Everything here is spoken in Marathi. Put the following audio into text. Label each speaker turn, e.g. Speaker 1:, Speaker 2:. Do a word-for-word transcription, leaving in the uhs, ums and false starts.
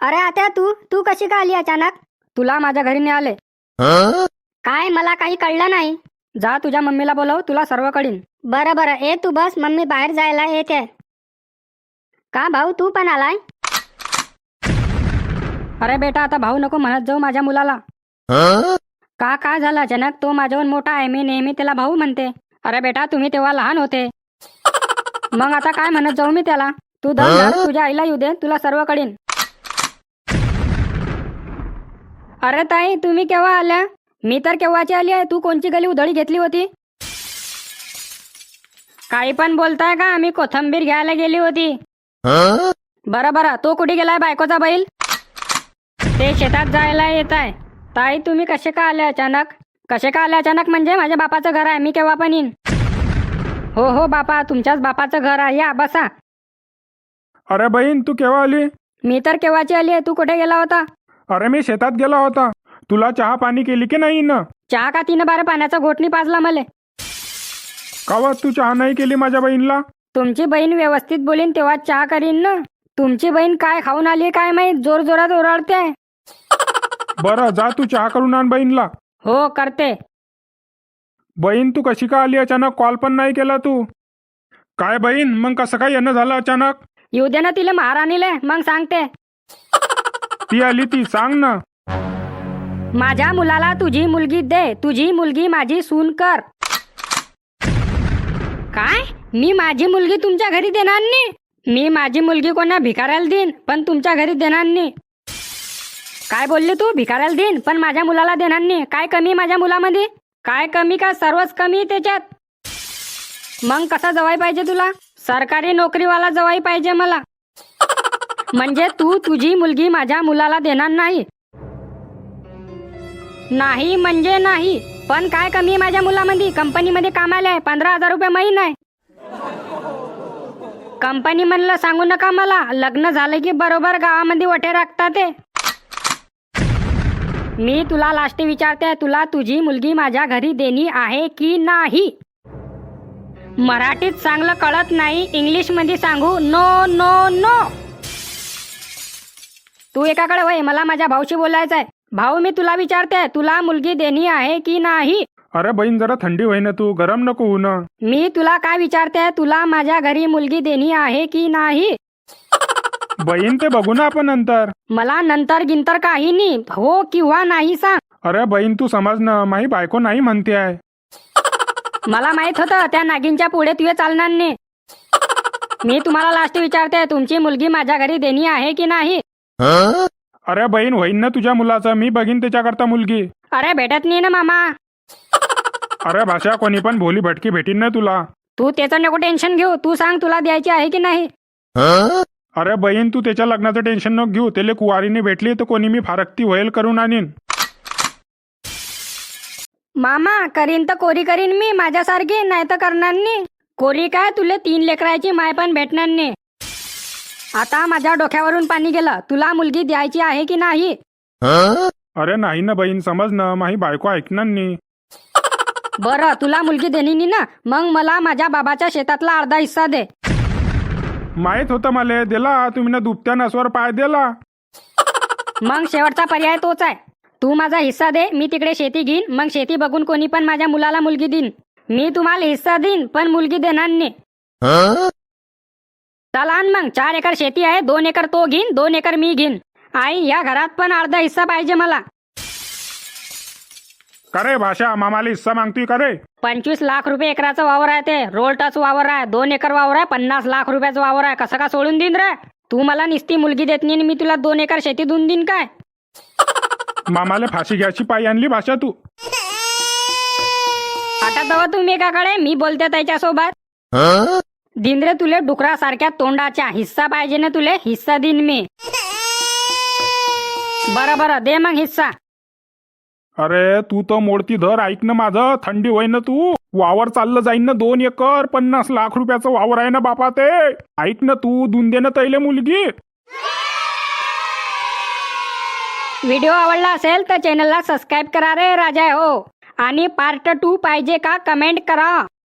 Speaker 1: अरे आत्या, तू तू कशी का आली अचानक?
Speaker 2: तुला माझ्या घरी नाही आले.
Speaker 1: काय मला काही कळलं नाही.
Speaker 2: जा तुझ्या मम्मीला बोलव, तुला सर्व कळीन.
Speaker 1: बरं बरं, ए तू बस, मम्मी बाहेर जायला येते. का भाऊ, तू पण आलाय?
Speaker 2: अरे बेटा, आता भाऊ नको म्हणत जाऊ माझ्या मुलाला. का काय झालं अचानक? तो माझ्याहून मोठा आहे, मी नेहमी त्याला भाऊ म्हणते. अरे बेटा, तुम्ही तेव्हा लहान होते. मग आता काय म्हणत जाऊ मी त्याला? तू दम धर, तुझ्या आईला येऊ दे, तुला सर्व कळीन. अरे ताई, तुम्ही केव्हा आल्या? मी तर केव्हाची आली आहे. तू कोणची गली उधळी घेतली होती? काही पण बोलताय का? आम्ही कोथंबीर घ्यायला गेली होती. बरं बरं, तो कुठे गेलाय बायकोचा बैल? ते शेतात जायला येत आहे. ताई, तुम्ही कसे का आले अचानक? कसे का आले अचानक म्हणजे? माझ्या बापाचं घर आहे, मी केव्हा पण येईन. हो हो बापा, तुमच्याच बापाचं घर आहे, या बसा.
Speaker 3: अरे बहीण, तू केव्हा आली?
Speaker 2: मी तर केव्हाची आली आहे. तू कुठे गेला होता?
Speaker 3: अरे मी शेतात गेला होता. तुला चहा पाणी केली की नाही न?
Speaker 2: चहा का? तिनं बारे पाण्याचा घोटणी पाजला मले.
Speaker 3: कावा तू चहा नाही केली माझ्या बहीणला?
Speaker 2: तुमची बहीण व्यवस्थित बोलीन तेव्हा चहा करीन ना. तुमची बहीण काय खाऊन आली काय माहित, जोर जोरात ओरडते.
Speaker 3: बरं, जा तू चहा करून आण बहीणला.
Speaker 2: हो करते.
Speaker 3: बहीण, तू कशी का आली अचानक? कॉल पण नाही केला तू. काय बहीण, मग कसं काय येणं झालं अचानक?
Speaker 2: येऊ दे ना तिला महाराणीले, मग सांगते.
Speaker 3: ती आली ती सांग ना.
Speaker 2: माझ्या मुलाला तुझी मुलगी दे, तुझी मुलगी माझी सून कर. काय? मी माझी मुलगी तुमच्या घरी देणार नाही? मी माझी मुलगी कोणा भिकाऱ्याला देईन, पण तुमच्या घरी देणार नाही. काय बोलली तू? भिकाऱ्याला देईन पण माझ्या मुलाला देणार नाही? काय कमी माझ्या मुलामध्ये? काय कमी का? सर्वच कमी त्याच्यात. मग कसा जवाई पाहिजे तुला? सरकारी नोकरीवाला जवाई पाहिजे मला. म्हणजे तू तुझी मुलगी माझ्या मुलाला देणार नाही? नाही म्हणजे नाही, पण काय कमी माझ्या मुलामध्ये? कंपनीमध्ये कामाला आहे, पंधरा हजार रुपये महिना आहे. कंपनी म्हणलं सांगू नका मला. लग्न झालं की बरोबर गावामध्ये वटे राखतात ते. मी तुला लास्ट विचारते, तुला तुझी मुलगी माझ्या घरी देणी आहे की नाही? मराठीत चांगलं कळत नाही, इंग्लिश मध्ये सांगू? No no no. तू एकाकडे वय, मला माझ्या भाऊशी बोलायचं आहे. भाऊ, मी तुला विचारते, तुला मुलगी देणी आहे की नाही?
Speaker 3: अरे बहीण, जरा थंडी होई ना, तू गरम नको होऊ ना.
Speaker 2: मी तुला काय विचारते, तुला माझ्या घरी मुलगी देणी आहे की नाही?
Speaker 3: बहीण, ते बघू ना आपण नंतर.
Speaker 2: मला नंतर गिंतर काही नाही, हो किंवा नाही सांग.
Speaker 3: अरे बहीण, तू समज ना, माही बायको नाही म्हणते आहे.
Speaker 2: मला माहित होतं त्या नागिनच्या पुढे तुझे चालणार नाही. मी तुम्हाला लास्ट विचारते, तुमची मुलगी माझ्या घरी देणी आहे की नाही?
Speaker 3: अरे बहीण, होईन ना तुझ्या मुलाचं, मी बघीन त्याच्याकरता मुलगी.
Speaker 2: अरे भेटत नाही ना मामा.
Speaker 3: अरे भाषा, कोणी पण भोली भटकी भेटीन ना तुला.
Speaker 2: तू त्याचं नको टेन्शन घेऊ, तू सांग तुला द्यायची आहे की नाही?
Speaker 3: अरे बहीण, तू त्याच्या लग्नाचं टेन्शन नको घेऊ. त्याला कुवारीने भेटली तर कोणी मी फारकती व्हायल करून आणीन.
Speaker 2: मामा, करीन तर कोरी करीन मी माझ्यासारखी, नाही तर करणार नाही. कोरी काय, तुले तीन लेकराची माय पण भेटणार नाही. आता माझ्या डोक्यावरून पाणी गेलं. तुला मुलगी द्यायची आहे की नाही?
Speaker 3: अरे नाही ना बहीण, समज ना, माही बायको ऐकणार नाही.
Speaker 2: बरं, तुला मुलगी देणी नाही ना, मग मला माझ्या बाबाच्या शेतातला अर्धा हिस्सा दे.
Speaker 3: माहित होतं मला, दिला तुम्ही ना दुपत्या नसवर पाय दिला.
Speaker 2: मग शेवटचा पर्याय तोच आहे. तू माझा हिस्सा दे, मी तिकडे शेती घेईन, मग शेती बघून कोणी पण माझ्या मुलाला मुलगी देईन. मी तुम्हाला हिस्सा देईन पण मुलगी देणार नाही. चला आण मग, चार एकर शेती आहे, दोन एकर तो घेईन, दोन एकर मी घेईन. आई, या घरात पण अर्धा हिस्सा पाहिजे मला.
Speaker 3: करे भाषा, मामाला हिस्सा मागतोय करे?
Speaker 2: पंचवीस लाख रुपये एकराचं वावर आहे, ते रोल टच वावर आहे, दोन एकर वावर आहे, पन्नास लाख रुपयाचं वावर आहे. कसं का सोडून देईन रे? तू मला निस्ती मुलगी देत नाही, मी तुला दोन एकर शेती देऊन देईन काय?
Speaker 3: मामाला फाशी घ्यायची पायी आणली भाषा तू.
Speaker 2: आता दवा तुम्ही एकाकडे, मी बोलते त्याच्यासोबत. दिन रे तुले डुकरासारख्या तोंडाच्या, हिस्सा पाहिजे ना तुले? हिस्सा दिन मी. बरं बरं, दे मग हिस्सा.
Speaker 3: अरे तू तर मोडती धर, ऐक ना माझं. थंडी होई ना, तू वावर चाललं जाईन ना, दोन एकर पन्नास लाख रुपयाचं वावर आहे ना बापा ते. ऐक ना तू, दून दे ना तैले मुलगी.
Speaker 2: व्हिडिओ आवडला असेल तर चॅनलला सबस्क्राईब करा रे राजा हो. आणि पार्ट टू पाहिजे का कमेंट करा.